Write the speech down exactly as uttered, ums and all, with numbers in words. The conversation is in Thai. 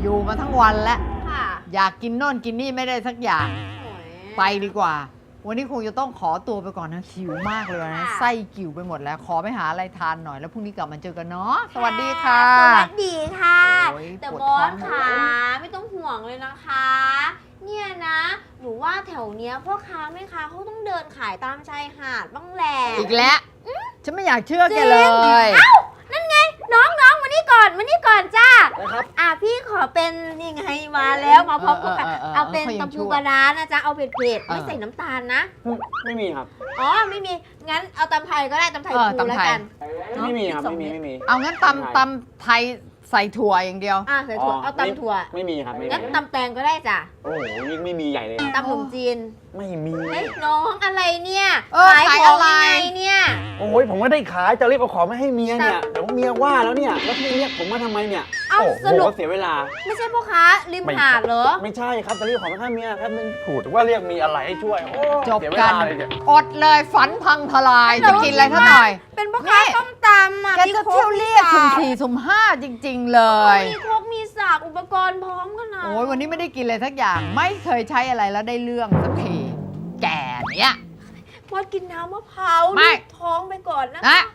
อยู่มาทั้งวันแล้วค่ะอยากกินโน่นกินนี่ไม่ได้สักอย่างโอ้ยไปดีกว่า วันนี้คงจะต้องขอตัวไปก่อนนะหิวมากเลยนะค่ะไส้กิ่วไปหมดแล้วขอไปหาอะไรทานหน่อยแล้วพรุ่งนี้กลับมาเจอกันเนาะสวัสดีค่ะสวัสดีค่ะโอ้ยแต่ปวดบอท้อสงค่ะไม่ต้องห่วงเลยนะคะ เนี่ยนะ หนูว่าแถวเนี้ยพ่อค้าแม่ค้าเขาต้องเดินขายตามชายหาดบ้างแหละอีกแล้วฉันไม่อยากเชื่อแกเลยเอ้านั่นไง น้องน้องมานี่ก่อนมานี่ก่อนจ้านะครับอ่ะพี่ขอเป็นนี่ไงมาแล้วมาพร้อมกับเออเออเออเอาเป็นเขายังตำชั่ปูวปลาร้านะจ๊ะเอาเผ็ดๆเออไม่ใส่น้ำตาลนะไม่มีครับอ๋อไม่มีงั้นเอาตำไทยก็ได้ตำไทยเออปูตำแล้วไทยกันไม่มีครับสอไม่งมีเดไม่มีเอางั้นตำตำไทยใส่ถั่วอย่างเดียวอ่ะใส่ถั่วอ๋อเอาตำถั่วไม่มีครับไม่มีงั้นตำแตงก็ได้จ้ะโอ้โหยิ่งไม่มีใหญ่เลยครับตำขนมจีนไม่มีเฮ้ยน้องอะไรเนี่ยเออขายของอะไรยังไงเนี่ยโอ้ยผมไม่ได้ขายจะรีบเอาของมาให้เมียเนี่ยเดี๋ยวเมียว่าแล้วเนี่ยแล้วพี่เรียกผมมาทำไมเนี่ยเอ้าโอ้สรุปโหเสียเวลาไม่ใช่พ่อค้าริมหาดเหรอไม่ใช่ครับจะรีบของมาให้เมียครับมันถูกว่าเรียกมีอะไรให้ช่วยโอ้จบเสียเวกัลาน เลยเนี่ยอดเลยฝันพังทลายแต่จะว่ากินอะไรเท่าหน่อยเป็นพ่อค้านี่ต้มตำอ่ะแกจะเที่ยวเรียกสุ่มสี่สุ่มห้าจริง ๆ เลยมีครกมีสากอุปกรณ์พร้อมขนาดโอ้ยวันนี้ไม่ได้กินอะไรสักอย่าง ไม่เคยใช้อะไรแล้วได้เรื่องสักทีแก่เนี้ยพอกินน้ำมะพร้าวไม่ลูกท้องไปก่อนนะนะค